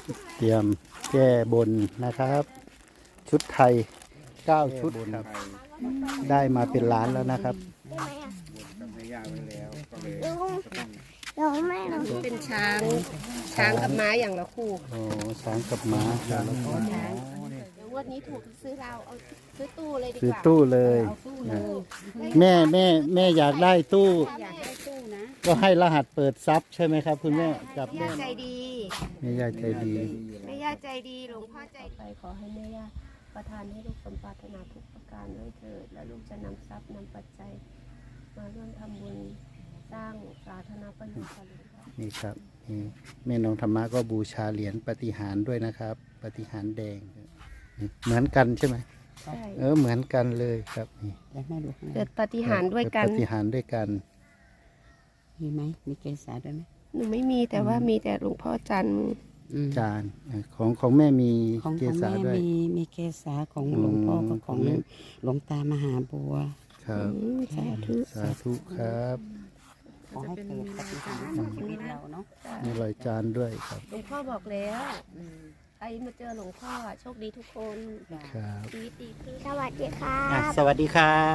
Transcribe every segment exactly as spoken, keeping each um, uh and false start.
เตรียมแก้บนนะครับ ชุดไทยเก้าชุดครับได้มาเป็นล้านแล้วนะครับกับแม่ย่าไว้แล้วก็เลยเราไม่เราเป็นช้างช้างกับม้าอย่างละคู่โอ้ช้างกับม้าครับเดี๋ยวงวันนี้ถูกซื้อเราเอาซื้อตู้เลยดีกซื้อว่าตู้เลยนะแม่แม่แม่อยากได้ตู้อยากได้ตู้นะก็ให้รหัสเปิดซับใช่ไหมครับ คุณแม่กับแม่แม่ใจดีแม่ยายใจดีแม่ย่าใจดีหลวงพ่อใจไปขอให้แม่ย่าประทานให้ลูกสมปรารถนาทุกประการด้วยเถิดและลูกจะนำทรัพย์นำปัจจัย มาร่วมทำบุญสร้างสาธารณประโยชน์ค่ะหลวงพ่อนี่ครับนี่แม่น้องธรรมะก็บูชาเหรียญปฏิหารย์ด้วยนะครับ ปฏิหารย์แดงนี่เหมือนกันใช่ไหมใช่เออเหมือนกันเลยครับนี่เดี๋ยวแม่ดูให้เกิดปาฏิหารย์ด้วยกันปฏิหารย์ด้วยกันมีไหมมีเกสาด้วยไหมหนูไม่มีแต่ว่ามีแต่หลวงพ่อจันทร์อืมจานของของแม่มีของเกของษาแม่ด้วยมีมีเกสาของหลวงพ่อกับของอืมหลวงตามหาบัวครับอืมสาธุสาธุครับขอให้เกิดปฏิหารย์กับชีวิตเราเนาะมีรอยจานด้วยครับหลวงพ่อบอกแล้วใครมาเจอหลวงพ่อโชคดีทุกคนครับชีวิตดีขึ้นสวัสดีครัอ่ะบสวัสดีครับ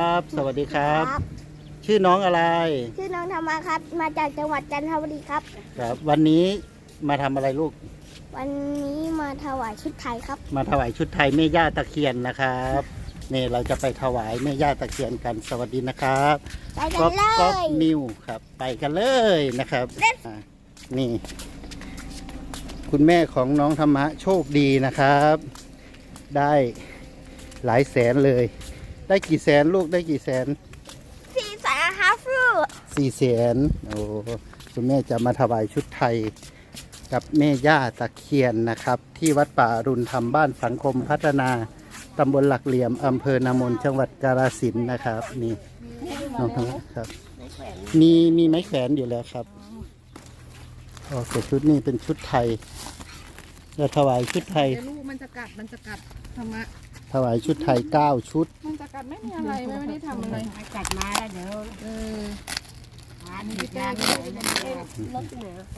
สวัสดีครับ ชื่อน้องอะไรชื่อน้องธรรมะครับ มาจากจังหวัดจันทบุรีครับครับ วันนี้มาทำอะไรลูกวันนี้มาถวายชุดไทยครับมาถวายชุดไทยแม่ย่าตะเคียนนะครับนี่เราจะไปถวายแม่ย่าตะเคียนกัน สวัสดีนะครับไปกัก๊อน ฟเลก๊อฟยนิวครับ ไปกันเลยนะครับอ่ะนี่ คุณแม่ของน้องธรรมะโชคดีนะครับ ได้หลายแสนเลย ได้กี่แสนลูกได้กี่แสนสี่สายฮาฟรูสี่แสนโอ้คุณแม่จะมาถวายชุดไทยกับแม่ย่าตะเคียนนะครับ ที่วัดป่าอรุณธรรมบ้านสังคมพัฒนาตำบลหลักเหลี่ยมอำเภอนามนจังหวัดกาฬสินธุ์นะครับ นี่น้องธรรมะครับ มีมีไม้แขวนอยู่แล้วครับโอเคชุดนี้เป็นชุดไทยจะถวายชุดไทยเดี๋ยวลูกมันจะกัด มันจะกัดธรรมะถวายชุดไทยเก้าชุดมันจะกัดไม่มีอะไรไม่ไม่ได้ทำอะไรจัดมาแล้วเดี๋ยวเออหาที่แก้รถที่ไหนอะ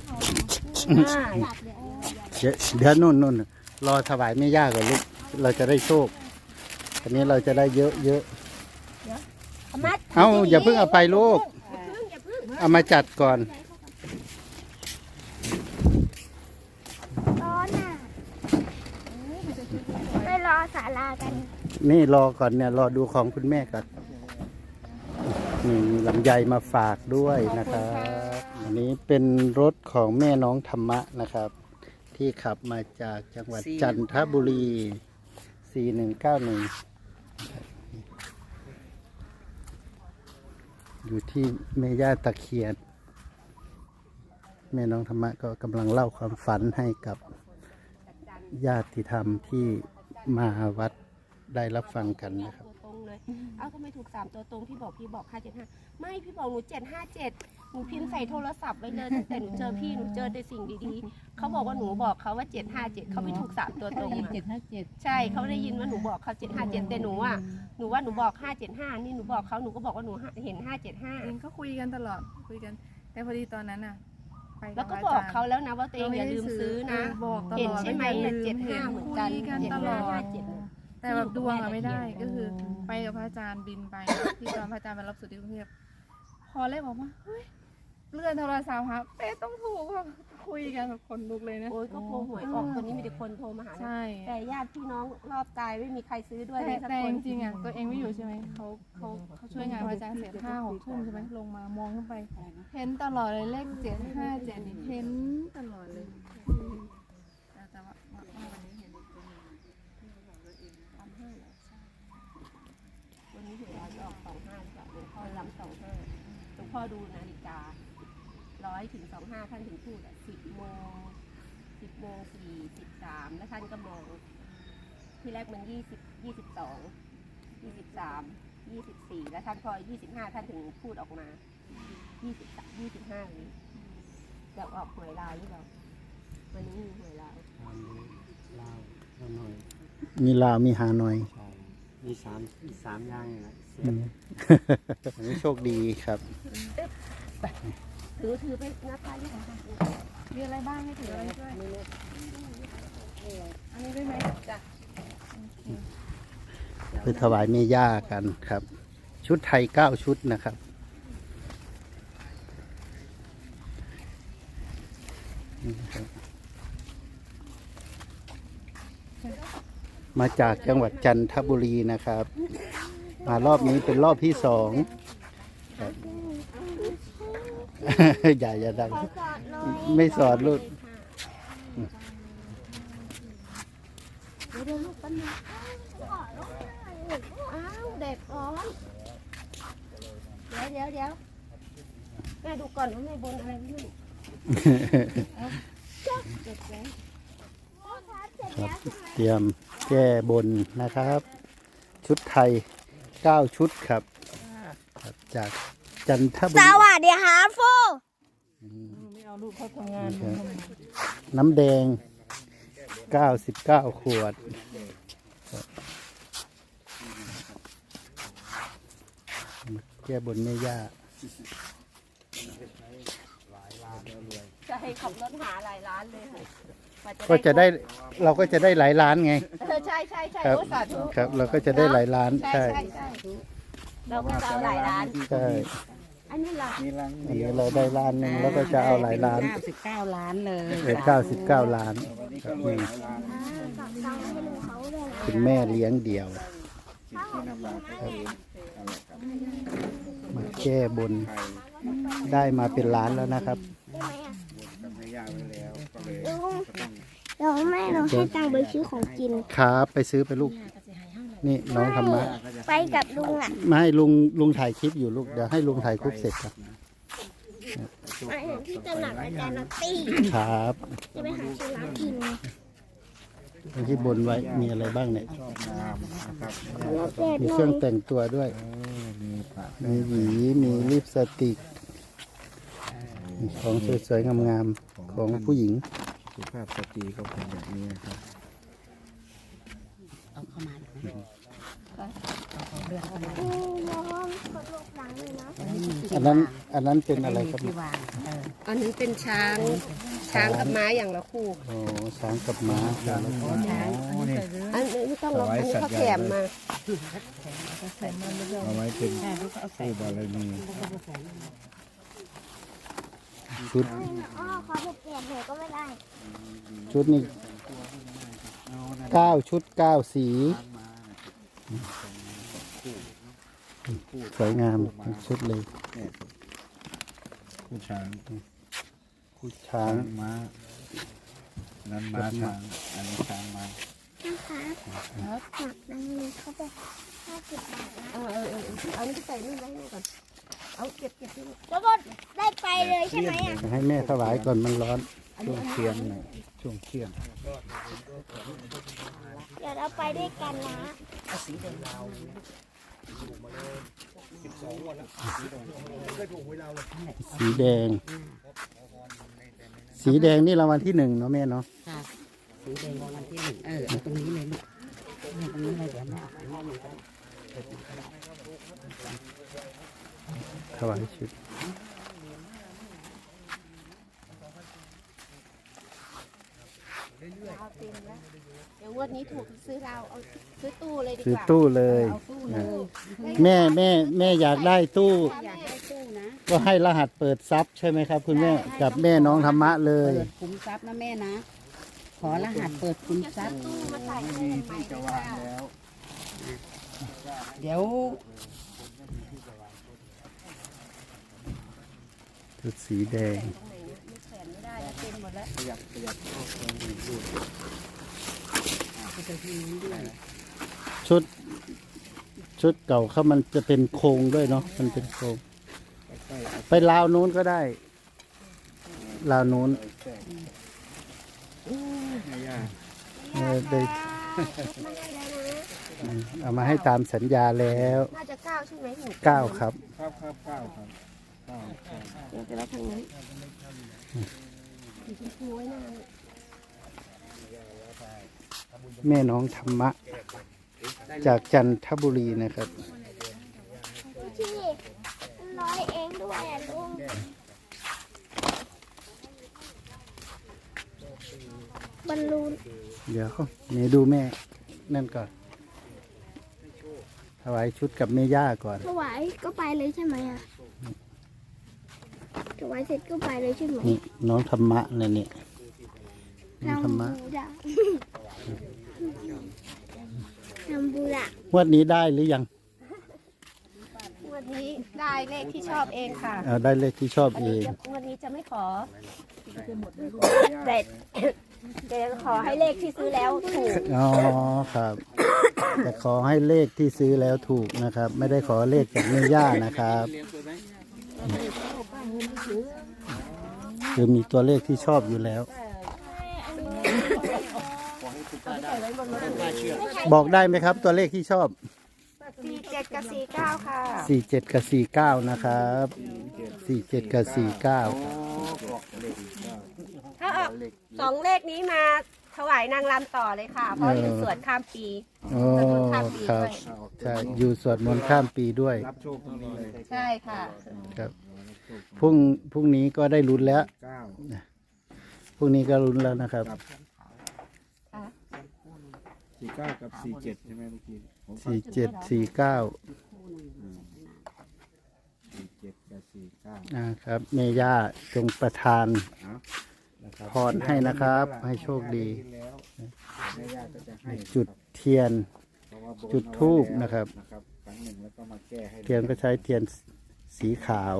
เดี๋ยวเดี๋ยวนู่นนู่นรอถวายแม่ย่าก่อนลูกเราจะได้โชคอันนี้เราจะได้เยอะเยอะเอาอย่าเพิ่งเอาไปลูกเอามาจัดก่อนร้อนอ่ะไปรอศาลากันนี่รอก่อนเนี่ยรอดูของคุณแม่ก่อนนี่มีลำไยมาฝากด้วยนะครับอันนี้เป็นรถของแม่น้องธรรมะนะครับ ที่ขับมาจากจังหวัดจันทบุรี สี่หนึ่งเก้าหนึ่ง อยู่ที่แม่ย่าตะเคียน แม่น้องธรรมะก็กำลังเล่าความฝันให้กับญาติธรรมที่มาวัดได้รับฟังกันนะครับตัวตรงเลย เอ้าก็ไม่ถูกสามตัวตรงพี่บอกพี่บอกห้าเจ็ดห้าไม่พี่บอกหนูเจ็ดห้าเจ็ดหนูพิมพ์ใส่โทรศัพท์ไว้เลยตั้งแต่หนูเจอพี่หนูเจอแต่สิ่งดีๆเขาบอกว่าหนูบอกเขาว่าเจ็ดห้าเจ็ดเขาไม่ถูกสามตัวตรงอะเจ็ดห้าเจ็ดใช่เขาได้ยินว่าหนูบอกเขาเจ็ดห้าเจ็ดแต่หนูอ่ะหนูว่าหนูบอกห้าเจ็ดห้านี่หนูบอกเขาหนูก็บอกว่าหนูเห็นห้าเจ็ดห้าเองก็คุยกันตลอด คุยกัน แต่พอดีตอนนั้นน่ะ ไปแล้วก็บอกเขาแล้วนะว่าตัวเองอย่าลืมซื้อนะบอกตลอดเห็นใช่ไหมว่าอย่าลืเจ็ดห้าเหมือนกันคุยกันเจ็ดตลห้าอห้าดเจ็ดแต่แบบดวงอะไม่ได้ ก็คือ ไปกับพระอาจารย์บินไป ที่ตอนพระอาจารย์มารับสุดที่กรุงเทพพอเลขบอกว่าเฮ้ยเลื่อนโทรศัพท์ครับเป๊ะต้องถูกแบบคุยกันแบบคนลุกเลยนะโอ้ยก็โพหวยออกคนนี้มีแต่คนโทรมาหานะใช่แต่ญาติพี่น้องรอบกายไม่มีใครซื้อด้วยเลแต่ยสักแต่คจนริงๆอ่ะตัวเองไม่อยู่ใช่ไหมเขาเขาเขาช่วยงานพระอาจารย์เสร็จห้าหกทุ่มใช่ไหมลงมามองขึ้นไป เห็นตลอดเลยเลขเจ็ดห้าเจ็ดนี่เห็นตลอดเลยแต่แต่ว่าว่าว่าวันนี้เห็นวันนี้หวยเราจะออกสองห้าจ้ะหลวงพ่อย้ำสองห้าหลวงพ่อดูนาฬิการ้อยถึงสองห้าท่านถึงพูดอ่ะสิบโมงสิบโมงสี่สิบสามแล้วท่านก็มองที่แรกมันยี่สิบยี่สิบสองยี่สิบสามยี่สิบสี่แล้วท่านพอยี่สิบห้าท่านถึงพูดออกมายี่สิบยี่สิบห้านี้จะออกหวยลาวหรือเปล่าวันนี้มีหวยลาวมีลาวมีฮานอยมีสามมีสามอย่างนะอืม อันนี้โชคดีครับถือถือไปนับไปที่ของมีอะไรบ้างให้ถืออะไรด้วยอันนี้ด้วยไหมจ้ะเพื่อถวายแม่ย่ากันครับ ชุดไทยเก้าชุดนะครับนี่ครับ มาจากจังหวัดจันทบุรีนะครับ มารอบนี้เป็นรอบที่สองครับ อย่าอย่าดังขอสอดหน่อยไม่สอนลูกเดี๋ยวเดี๋ยวลูกแป๊บนึงขอลูกหน่อยอ้าวเด็กร้อนเดี๋ยวเดี๋ยวเดี๋ยวแม่ดูก่อนว่าแม่บนอะไรไม่รู้เด็กแล้วพ่อครับเสร็จแล้วใช่ไหมเตรียมแก้บนนะครับ ชุดไทยเก้าชุดครับครับ จากจันทบุสรีวัสดีครับฟูไม่เอาลูกเขาทำงานน้ำแดงเก้าสิบเก้าขวดครับแก้บนแม่ย่าจะให้ขับรถหาหลายร้านเลยค่ะว่าก็จะได้เราก็จะได้หลายล้านไงเออใช่ใช่ใช่ครับโอ้สาธุครับ เราก็จะได้หลายล้านใช่ใช่ใช่ใช่เราก็จะเอาหลายร้านใช่อันนี้ล่ะมีรังอันนี้เราได้ล้านหนึ่งแล้วก็จะเอาหลายล้านเก้าสิบเก้าล้านเลยเหลือเก้าสิบเก้าล้านวันนี้คก็รับรวยนี่หลายล้านฝากตังค์ให้ลุงเขาด้วยนะคุณแม่เลี้ยงเดี่ยวสิ่งที่นำมาก็คืออะไรครับมาแก้บนไทยได้มาเป็นล้านแล้วนะครับได้ไหมอ่ะบนกับแม่ย่าไว้แล้วก็เลยลุงก็ต้องเดี๋ยวแม่เราให้ตังค์ไปซื้อของกินครับไปซื้อไปลูก นี่น้องธรรมะไปกับลุงอ่ะไม่ให้ลุงลุงถ่ายคลิปอยู่ลูก เดี๋ยวให้ลุงถ่ายคลิปเสร็จครับไปเห็นที่ตลาดอาจารย์นัตตี้ครับจะไปหาซื้อร้านกินที่บนไว้มีอะไรบ้างเนี่ยชอบงามนะครับแล้วแจกมีหเคน่รื่อองยแต่งตัวด้วยเออมีปะมีหวี มีลิปสติก ของสวยๆงามๆของผู้หญิงสุภาพสตรีก็เป็นแบบนี้นะครับเอาเข้ามาหน่อยเอาเขาเลือกเข้ามาอืมน้องกดลูกหลังเลยนะจะได้มีที่อันนั้นวางอันนั้นเป็นอะไรครับที่วางเอออันนี้เป็นช้างช้างกับม้าอย่างละคู่โอ้ช้างกับม้าครับช้างอันนี้ใส่เรืออันนี้ไม่ต้องหรอกอันนี้เขาแถมมาใส่มันไม่ต้องเอาไว้เป็นใช่ลูกเอาใส่ผู้บารมีชุดอ๋อขอถูกเปลี่ยนเถอะก็ไม่ได้ชุดนี้เก้าชุดเก้าสี สวยงามทั้งชุดเลยผู้ช้างผู้ช้าช้าง งม้านั้นม้าช้างอันนี้ช้างม้านะคะหนักดังเลยเขาบอกห้าสิบบาทนะเออเออเออเอานี่ไปใส่นี่ไว้นี่ก่อนเอาเก็บเก็บที่นี่แล้วก็ได้ไปเลยใช่ไหมอ่ะให้แม่ถวายก่อนมันร้อนช่วงเที่ยงหน่อยช่วงเที่ยงเดี๋ยวเราไปด้วยกันนะสีแดง สีแดงนี่รางวัลที่หนึ่งเนาะแม่เนาะค่ะสีแดงรางวัลที่หนึ่งเออเอาตรงนี้เลยลูกเอาตรงนี้เลยเดี๋ยวแม่เอาไปให้มันก็ถวายชุดเอาเต็มแล้วเดี๋ยวงวันนี้ถูกซื้อเราเอาซื้อตู้เลยดีซื้อกว่าตู้เลยเอาตู้เลยแม่แม่แม่อยากได้ตู้อยากได้ตู้นะก็ให้รหัสเปิดซับใช่ไหมครับคุณแม่กับแม่น้องธรรมะเลยเปิดคุ้มทรัพย์นะแม่นะ ขอรหัสเปิดคุ้มทรัพย์ตู้มาใส่ให้ใหม่ดีกว่าเดี๋ยวชุดสีแดงตรงไหนเนี่ยไม่แขวนไม่ได้แล้วเต็มหมดแล้วขยับขยับเข้าไปดูดูชุด ชุดเก่าเขามันจะเป็นโครงด้วยเนาะมันเป็นโครงใกล้ๆเอาไปลาวนู้นก็ได้ลาวนู้นแทรกแม่ย่าเออได้ไม่ได้แล้วนะเอามาให้ตามสัญญาแล้วน่าจะเก้าใช่ไหมหนูเก้าครับครับครับเก้าครับเก้าเก้าเดี๋ยวจะรับทางนี้สีชมพูไว้หน้าแม่น้องธรรมะ จากจันทบุรีนะครับที่ร้อยเองด้วยอ่ะลุงบอลลูนเดี๋ยวนี่ดูแม่นั่นก่อนถวายชุดกับแม่ย่าก่อนถวายก็ไปเลยใช่ไหมอ่ะถวายเสร็จก็ไปเลยใช่ไหมนี่น้องธรรมะเนี่ยนี่น้องธรรมะบูดะทำบูดะงวดนี้ได้หรือยังวันนี้ได้เลขที่ชอบเองค่ะเอาได้เลขที่ชอบอันเอนี้งจะวันนี้จะไม่ขอแต่แต่ขอให้เลขที่ซื้อแล้วถูกอ๋อครับ แต่ขอให้เลขที่ซื้อแล้วถูกนะครับ ไม่ได้ขอเลขจากแม่ย่านะครับคือมีตัวเลขที่ชอบอยู่แล้ว บอกได้ไหมครับ ตัวเลขที่ชอบสี่เจ็ดกับสี่เก้าค่ะสี่เจ็ดกับสี่เก้านะครับสี่เจ็ดกับสี่เก้าถ้าเอาสองเลขนี้มาถวายนางรำต่อเลยค่ะ เพราะอยู่สวดข้ามปีโอ้ครับใช่อยู่สวดมนต์ข้ามปีด้วยรับโชคตรงนี้เลยใช่ค่ะครับพรุ่งพรุ่งนี้ก็ได้ลุ้นแล้วเก้าพรุ่งนี้ก็ลุ้นแล้วนะครับสี่เก้ากับสี่เจ็ดใช่ไหมเมื่อกี้ผมฟังสี่เจ็ดสี่เก้าสี่เจ็ดกับสี่เก้านะครับเมย่าจงประทานเอานะครับพรให้นะครับให้โชคดีแล้วแม่ย่าก็จะให้จุดเทียนเพราะว่าบนจุดธูปนะครับนะครับครั้งหนึ่งแล้วก็มาแก้ให้เทียนก็ใช้เทียนสีขาว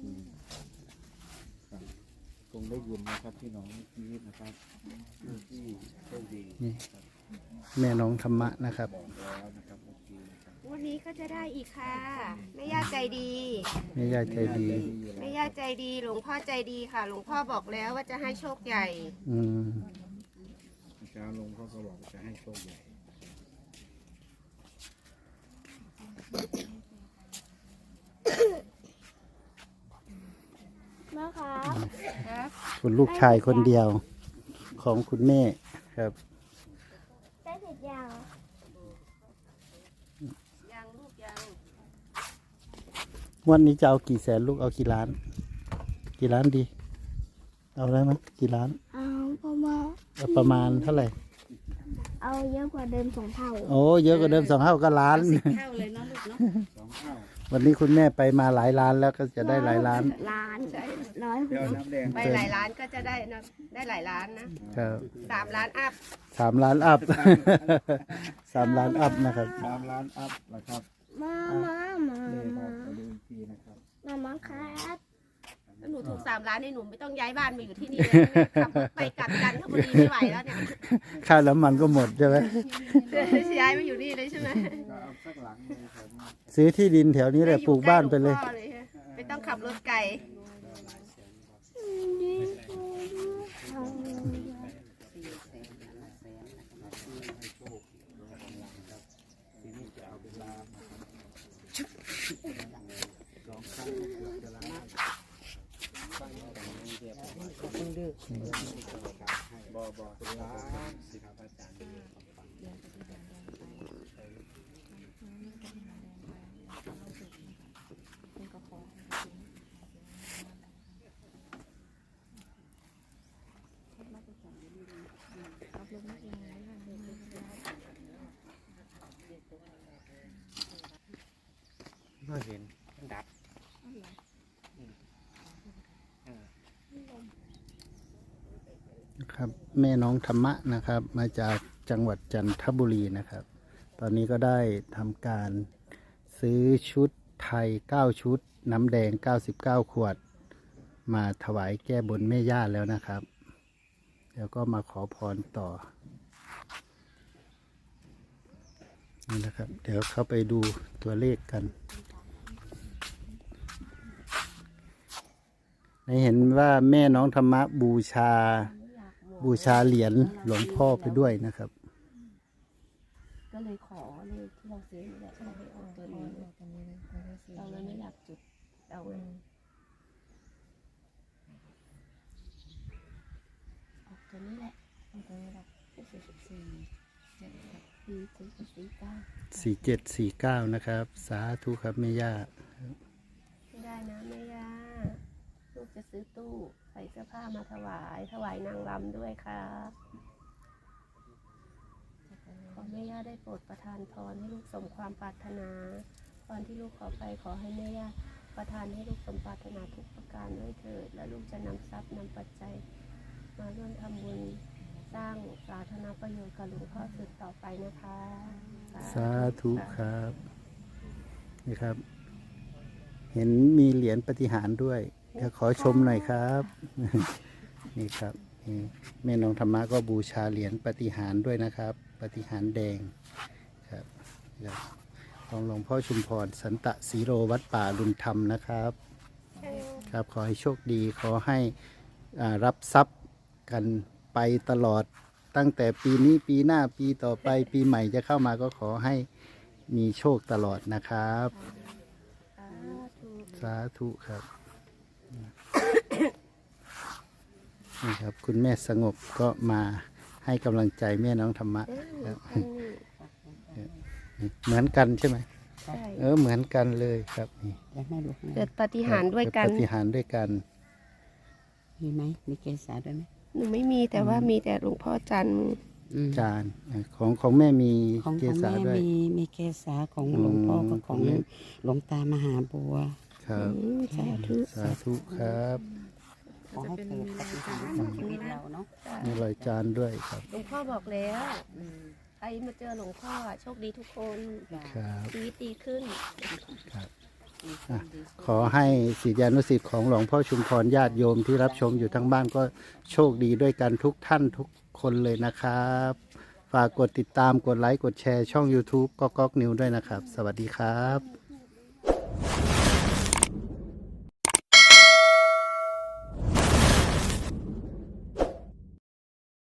คงได้ยินนะครับพี่น้องเมื่อกี้นะครับที่โชคดีนี่แม่น้องธรรมะนะครับแล้วนะครับเมื่อกี้นะครับวันนี้ก็จะได้อีกค่ะแม่ย่าใจดีแม่ย่าใจดีแม่ย่าใจดี หลวงพ่อใจดีค่ะ หลวงพ่อบอกแล้วว่าจะให้โชคใหญ่อืมเช้าลงเขาก็บอกจะให้โชคใหญ่แม่ครับคุณลูกชายคนเดียวของคุณแม่ครับได้เสร็จยังยังลูกยังวันนี้จะเอากี่แสนลูกเอากี่ล้าน กี่ล้านดี เอาได้ไหมกี่ล้านเอาเพราะว่าเอาประมาณเท่าไหร่เอาเยอะกว่าเดิมสองเท่าโอ้เยอะกว่าเดิมสองเท่าก็ล้านเท่าเลยเนาะลูกเนาะสองเท่าวันนี้คุณแม่ไปมาหลายล้านแล้วก็จะได้หลายล้านล้านร้อยเดี๋ยวน้ำแดงไปหลายล้านก็จะได้นะได้หลายล้านนะครับ สามล้านอัพสามล้านอัพ สามล้านอัพนะครับสามล้านอัพนะครับมามามานี่คมารับมาดูอีกทีนะครับมามาครับถ้าหนูถูกสามล้านนี่หนูไม่ต้องย้ายบ้านมาอยู่ที่นี่เลยขับรถไปกลับกันถ้าพอดีไม่ไหวแล้วเนี่ยค่าน้ำมันก็หมดใช่ไหมย้ายมาอยู่นี่เลยใช่ไหมก็เอาสักหลังหนึงครับซื้อที่ดินแถวนี้เลยปลูกบ้านไปเลยใกหวงพ่อฮะไม่ต้องขับรถไกลบอบอเป็นล้านสิครับอาจารย์ก็เห็นดับครับแม่น้องธรรมะนะครับ มาจากจังหวัดจันทบุรีนะครับ ตอนนี้ก็ได้ทำการซื้อชุดไทยเก้าชุด น้ำแดงเก้าสิบเก้าขวด มาถวายแก้บนแม่ย่าแล้วนะครับแล้วก็มาขอพรต่อนี่นะครับ เดี๋ยวเข้าไปดูตัวเลขกันได้เห็นว่าแม่น้องธรรมะบูชา บูชาเหรียญหลวงพ่อไปด้วยนะครับก็เลยขอเลขที่เราซื้อนี่แหละเราให้ออกตัวนี้เราเลยไม่อยากจุดเอาเลยออกตัวนี้แหละออกตัวนี้แหละสี่สิบสี่เจ็ดสี่สี่สิบสี่เก้าสี่เจ็ดสี่เก้านะครับ สาธุครับแม่ย่าไม่ได้นะแม่ย่าลูกจะซื้อตู้ใส่เสื้อผ้ามาถวาย ถวายนางรำด้วยครับได้โปรดประทานพรให้ลูกสมความปรารถนาพรที่ลูกขอไปขอให้แม่ย่าประทานให้ลูกสมปรารถนาทุกประการด้วยเถิดและลูกจะนำทรัพย์นำปัจจัยมาร่วมทำบุญสร้างสาธารณประโยชน์กับหลวงพ่อสืบต่อไปนะคะสาธุครับนี่ครับ เห็นมีเหรียญปฏิหารย์ด้วยเดี๋ยวขอชมหน่อยครับ นี่ครับนี่แม่น้องธรรมะก็บูชาเหรียญปฏิหารย์ด้วยนะครับ ปฏิหารย์แดงครับครับของหลวงพ่อชุมพรสันตะสีโรวัดป่ารุนธรรมนะครับ ครับขอให้โชคดีขอให้อ่ารับทรัพย์กันไปตลอดตั้งแต่ปีนี้ปีหน้าปีต่อไปปีใหม่จะเข้ามาก็ขอให้มีโชคตลอดนะครับ สาธุครับนี่ครับ คุณแม่สงบก็มาให้กำลังใจแม่น้องธรรมะครับเหมือนกันใช่ไหมใช่เออเหมือนกันเลยครับนี่แล้วแม่ลูกเกิดปาฏิหารย์ด้วยกันปฏิหารย์ด้วยกันมีไหมมีเกษาด้วยไหมหนูไม่มีแต่ว่ามีแต่หลวงพ่อจันทร์อืมจานของของแม่มีของเกของษาแม่ด้วยมีมีเกษาของหลวงพ่อกับของอืมหลวงตามหาบัวครับอืมสาธุสาธุครับขอให้เกิดปฏิหารย์กับชีวิตเราเนาะมีรอยจานด้วยครับหลวงพ่อบอกแล้วใครมาเจอหลวงพ่ออะโชคดีทุกคนครับชีวิตดีขึ้นอ่ะขอให้ศิษยานุศิษย์ของหลวงพ่อชุมพรญาติโยมที่รับชมอยู่ทั้งบ้านก็โชคดีด้วยกันทุกท่านทุกคนเลยนะครับ ฝากกดติดตามกดไลค์กดแชร์ช่อง YouTube ก็ก๊อกนิวด้วยนะครับ สวัสดีครับ